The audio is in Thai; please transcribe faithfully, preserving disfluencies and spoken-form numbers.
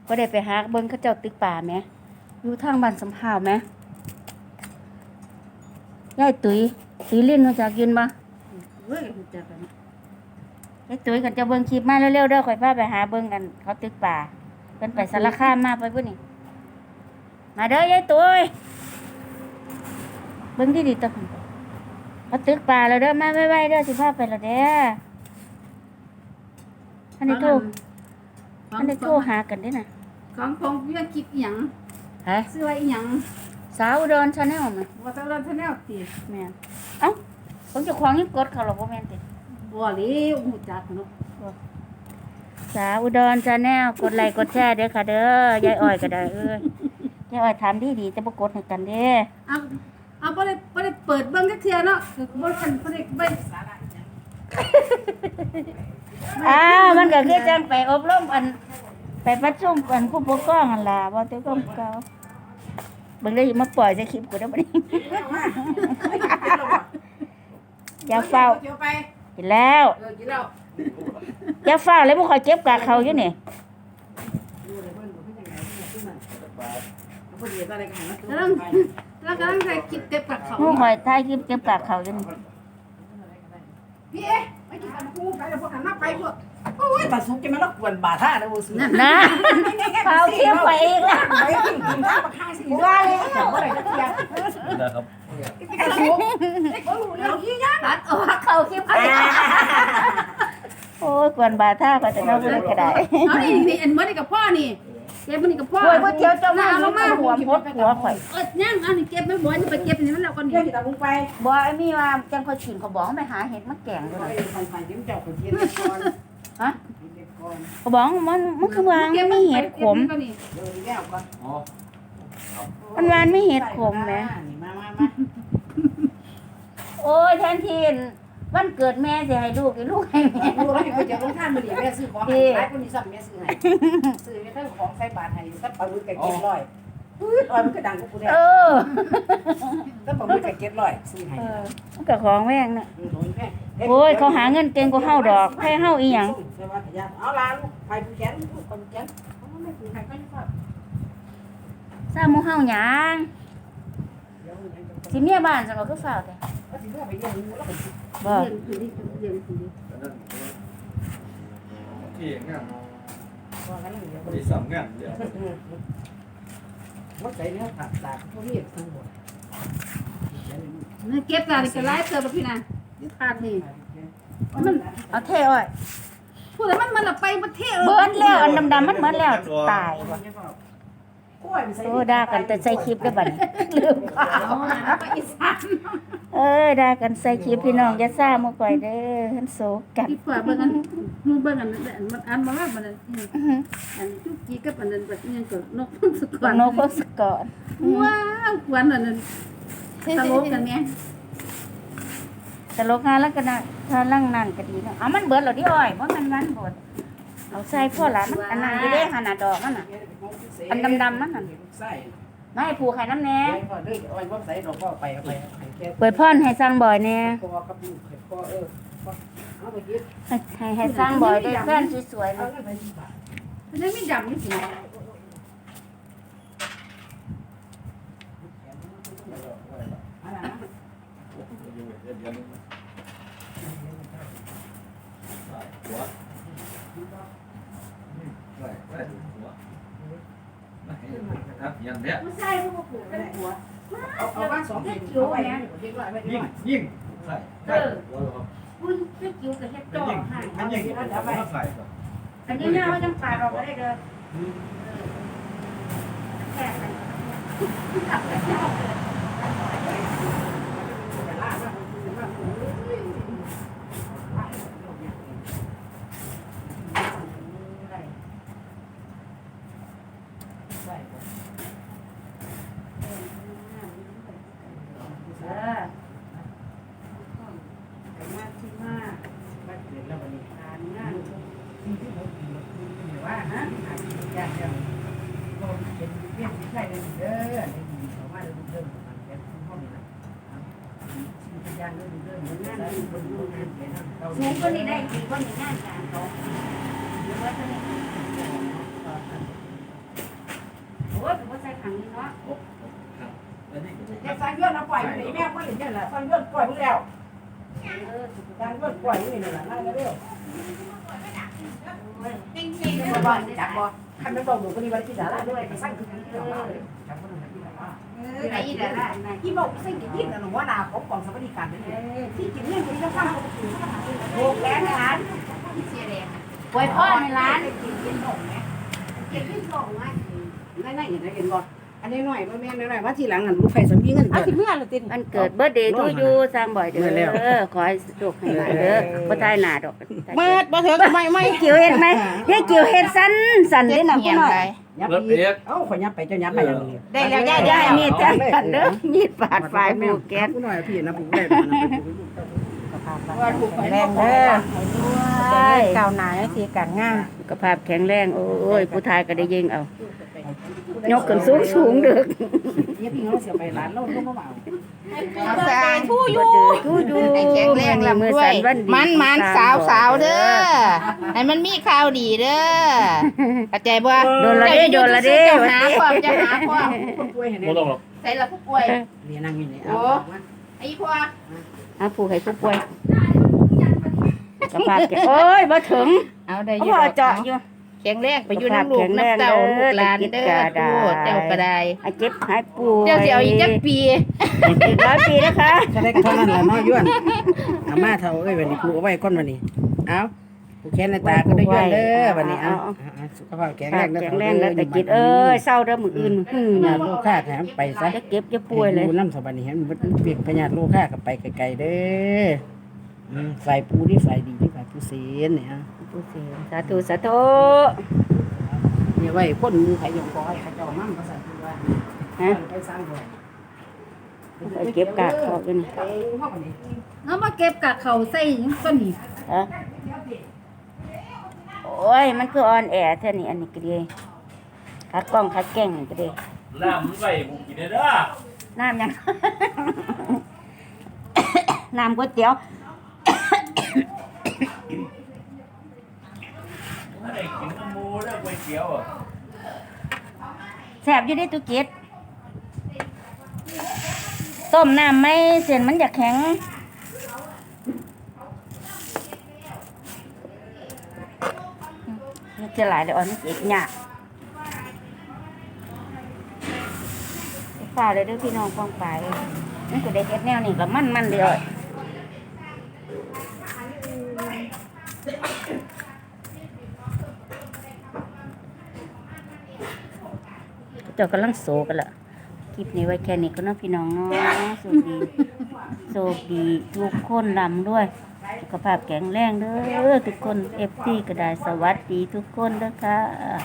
บ่ได้ไปหาเบิ่งเขาเจ้าตึกป่าแหมอยู่ทางบ้านสำหาวแหมยายตุ๋ยตุ๋ยลิ้นรู้จักกินบ่เว้ยรู้จักกันยายตุ๋ยกันจะเบิ่งคลิปมาเร็วๆเด้อข่อยพาไปหาเบิ่งกันเขาตึกป่าเพิ่นไปสารคามมาไปพุ่นนี่มาเด้อยายตุ๋ยเบิ่งดีๆตะพุ่นเขาตึกป่าแล้วเด้อมาไวๆเด้อสิพาไปแล้วเด้ออันนี้โทรอันนี้โทรหากันเด้อน่ะของของเรื่องคลิปอีหยังฮะซื้อไว้อีหยังสาวอุดร Channel มั้ยว่าตะวันชาแนลติแม่นเอ้าผมเจ้าของยังกดเขาหรอกบ่แม่นติบ่เลยรู้จักเนาะสาวอุดร Channel กดไลค์กดแชร์เด้อค่ะเด้อยายอ้อยก็ได้เอ้ยยายอ้อยถามดีๆจะบ่กดให้กันเด้อเอาเอาบ่ได้บ่ได้เปิดเบิ่งจักเทื่อเนาะคือบ่ทันบ่ได้เบิ่งสาระอีหยังอ้าวมันก็คือจังไปอบรมอันไปประชุมอันผู้ปกครองนั่นล่ะบ่แต่ก็เก่าเบิ่งได้มาปล่อยใส่คลิปกูได้บ่นี่ อย่าเฝ้าเดี๋ยวไปกินแล้วเออกินแล้วอย่าเฝ้าเลยบ่ค่อยเก็บกากเขาอยู่นี่ดูเลยเพิ่นบ่เพิ่นจังได๋เพิ่นมันบ่ดีอะไรกันนะแล้วแล้วกำลังใส่คลิปเต็มปากเขาหมู่ข่อยถ่ายคลิปเก็บกากเขาอยู่นี่พี่เอ๊ะไปกินกันกูไปแล้วพวกหันมาไปพวกโอ้ยตาสุกจะมาแล้วกวนบาท่าเด้อบ่ซื้อนะเขาเก็บไปอีกแล้วไปกินกินข้าวมาข้างสิว่าเลยจับบ่ได้จักเที่ยนะครับตาสุกบ่รู้เรื่องอีหยังตัดออกเขาคลิปเขาโอ้ยกวนบาท่าก็จะเน่าเบิ่งก็ได้เอานี่นี่อันมื้อนี้กับพ่อนี่เก็บมื้อนี้กับพ่อโอ้ยบ่เที่ยวเจ้ามาเอาลงมาหัวพดหัวข่อยเอิ้นยังเอานี่เก็บไม่บ่นี่ไปเก็บนี่มันแล้วก่อนเดี๋ยวสิตาบุงไปบ่ไอ้มีว่าจังค่อยกินเขาบอกให้ไปหาเห็ดมาแกงไปด้วยไปไปเดี๋ยวเจ้าก็เก็บก่อนฮะเก็บก่อนเขาบอกมันมันคือวางมันมีเห็ดขมเก็บนี่เดี๋ยวนี่แล้วก่อนอ๋อมันวานไม่เห็ดขมแหมนี่มามามาโอ้ยแทนทีนวันเกิดแม่สิให้ลูกให้ลูกให้แม่ดูแล้วไปเจอลงท่านมื้อนี้แม่ซื้อของให้หลายคนนี้ซ้ำแม่ซื้อให้ซื้อให้ทั้งของใส่บาตรให้สักปลาหมึกก็เก็บร้อยอื้อร้อยมันก็ดังกว่ากูแน่เออสักปลาหมึกก็เก็บร้อยซื้อให้เออมันก็ของแม่งน่ะอืมโดนแม่โอ้ยเขาหาเงินเก่งกว่าเฮาดอกให้เฮาอีหยังเอาล่ะลูกไปผู้แขนลูกคนแขนเอาไม่ผู้ใครก็ยังฟังซาหมู่เฮาหยังเดี๋ยวยังจะสิเมียบ้านซั่นบ่คือฟ้าวแต่ก็สิเมื่อไปเรียนรู้แล้วก็สิบ่เรียนคือนี่เรียนคือนี่อันนั้นที่งานว่ากันแล้วเดี๋ยวพอดีสามงานเดี๋ยวว่าใจเนี่ยตัดตาพวกนี้ทั้งหมดนี่เก็บตาดิกระไรเติมพี่นะยึดขาดนี่มันเอาเท่อ้อยพูดแล้วมันมันละไปประเทศเบิดแล้วอันดำๆมันเบิดแล้วตายบ่กล้วยมันใส่โอ้ด่ากันแต่ใส่คลิปได้อบัดนี้ลืมข่าวไปอีสานเอ้ยด่ากันใส่คลิปพี่น้องอย่าซ่าหมู่ก่อยเด้อหันโศกกันที่ฝ่าเบิ่งอันมูเบิ่งอันมันอันมาว่ามันอื้อหืออันจุกจีกับอันนั้นแบบนี้ก็นกพงศกรโนโพสก่อนว้าวควันอันนั้นตลกกันแม่ตลกงานแล้วก็น่ะถ้าลั่งนั่นก็ดีเนาะเอามันเบิดแล้วดิอ้อยบ่มันมันเบิดเอาใส่พ่อหลานมันอันนั้นอยู่เด้หั่นน่ะดอกมันน่ะ อันดำๆนั่นน่ะใส่มาให้ผูกให้น้ำแน่ไว้พอเด้อเอาไว้ว่าใส่ดอกพ่อไปเอาไปให้แกเปิดพรให้สร้างบ่อยแน่คอกับลูกให้พ่อเออเอาไปกินให้ให้ให้สร้างบ่อยได้แฟนสวยๆเอานะไปสิบบาทมันไม่ดำนี่สิ อะไรนะอยู่เดือนเดือนนึงใส่หัวใส่ใส่หัวครับยันเนี้ยผู้ชายผู้ปลูกเป็นหัวเอาเอาบ้านสองเป็นเอาไว้นะเด็กไว้ไว้ยิ่งยิ่งใส่ใส่หัวครับอุ้ยเจ้ากิ้วกับเฮ็ดจ่อยิ่งให้มันยิ่งมันใส่ครับอันนี้เนี่ยว่าจังปาดออกบ่ได้เด้อแค่นั้น เออว่าฮะอยากจะลงเป็นเพี้ยนใช่เลยเด้อได้ยินเขาว่าเดิมเดิมมันแค่ห้องนี้นะสิ่งที่ยากเดิมเดิมเหมือนงานที่บนโรงงานเขียนเราสูงกว่านี้ได้ดีกว่านี้งานการเขาเยอะกว่านี้จะสร้างเงื่อนเอาปล่อยไปแม่ไม่เห็นเนี่ยแหละสร้างเงื่อนปล่อยมึงแล้วสร้างเงื่อนปล่อยมึงนี่แหละนั่งเร็วๆบ้านจับบ่คันไม่บอกหนูก็มีวันที่ดาราด้วยไปสร้างคือที่ดาราเลยจับบ่หนูที่ดาราไอ้ดาราที่บอกสิ่งที่ยินหนูว่านาของกองสวัสดิการนี่ที่กินเนี่ยคนที่จะสร้างเขาถือโบกแกนร้านเสียแดงปล่อยพ่อในร้านกินกินหงไหมกินกินหงไหมนั่นนั่นอย่างไรเห็นบ่อันนี้หน่อยว่าแม่หน่อยว่าทีหลังอ่ะลูกไฟสมีเงินเอาเกิดสิเมื่อละติมันเกิดเบิร์ดเดย์ทูยูสร้างบ่อยเด้อขอให้สุขให้หลายเด้อบ่ตายหน้าดอกเมื่อบ่เถิกไม่ไม่เกี่ยวเฮ็ดไหมยายเกี่ยวเฮ็ดสั้นสั้นเด้อน่ะพี่น้อยยับอีกเอ้าขอยับไปเจ้ายับไปอย่างนี้ได้แล้วย่าได้ย่ามีดจังกันเด้อมีดปาดไฟหมู่แก๊สผู้หน่อยพี่นะผู้ได้นะว่าถูกแรงเด้อให้ก้าวหน้าในที่การงานสุขภาพแข็งแรงโอ้ยผู้ทายก็ได้ยิงเอายกขึ้นสูงสูงๆเด้อยับพี่น้องเสียไปร้านเราต้องมาเอาเอาสร้างทู่อยู่ทูยูให้แข็งแรงลำด้วยมันมันสาวสาวเด้อให้มันมีข่าวดีเด้อเข้าใจบ่โดนละเด้โดนละเด้จะหาความจะหาความคนป่วยเห็นไหมไม่ต้องหรอกใส่ละผู้ป่วยเรียนนั่งอยู่นี่เอาไอ้พ่ออาผู้ให้ผู้ป่วยสุขภาพแข็งโอ้ยบ่ถึงเอาได้อเขายู่บ่เจาะอยู่แข็งแรงไปอยู่น้ำลูกน้ำเต้าลูกหลานเด้อทู่เจ้าก็ได้ให้เจ็บหายป่วยเจ้าสิเอาอีกจักปีอีกร้อยปีนะคะจะได้เท่านั้นแหละน้อยย้วนอาม่าเท่าเอ้ยวันนี้ผูกเอาไว้ก้อนวันนี้เอาผูกแขนในตาก็ได้ย้วนเด้อวันนี้เอาสุขภาพแข็งแรงแข็งแรงแล้วแต่จิตเอ้ยเศร้าเด้อมื้ออื่นหื้อพญาโลค่าแถมไปซะจะเก็บจะป่วยเลยดูน้ำสบันนี่ฮะมันเปลี่ยนพญาโลค่ากับไปไกลๆเด้อฝ่ายปูนี่ฝ่ายดีที่ฝ่ายผู้เสียเนี่ยผู้เสียสาธุสาธุเนี่ยไว้คนมือไผยงก้อยเขาเจ้ามั่งภาษาที่ว่าฮะไปสร้างด้วยไปเก็บกากออกอยู่นี่ไปเข้าไปนี่เอามาเก็บกับเขาใส่ต้นนี้ฮะโอ้ยมันคือออนแอร์เท่านี้อันนี้ก็ดีคัดกล้องคัดแกล้งนี่ก็ดีน้ำมันไปกูกินได้เด้อน้ำยัง น้ำก๋วยเตี๋ยวถ้าได้กินน้ำมูเด้อก๋วยเตี๋ยวอ่ะแซ่บอยู่ได้ตุกิดต้มน้ำไม่เส้นมันจะแข็งนี่จะหลายเลยอ่อนนี่เจ็บหยาบฝ่าเลยเด้วยพี่น้องกองไปนี่ก็ได้เฮ็ดแนวนี่ก็มันมันๆเดียวเจ้ากำลังโศกันละคลิปนี้ไว้แค่นี้ก็เน้องพี่น้องเนาะโชคดีโชคดีทุกคนลำด้วยสุขภาพแข็งแรงเด้อทุกคนเอฟซีก็ได้สวัสดีทุกคนเด้อค่ะ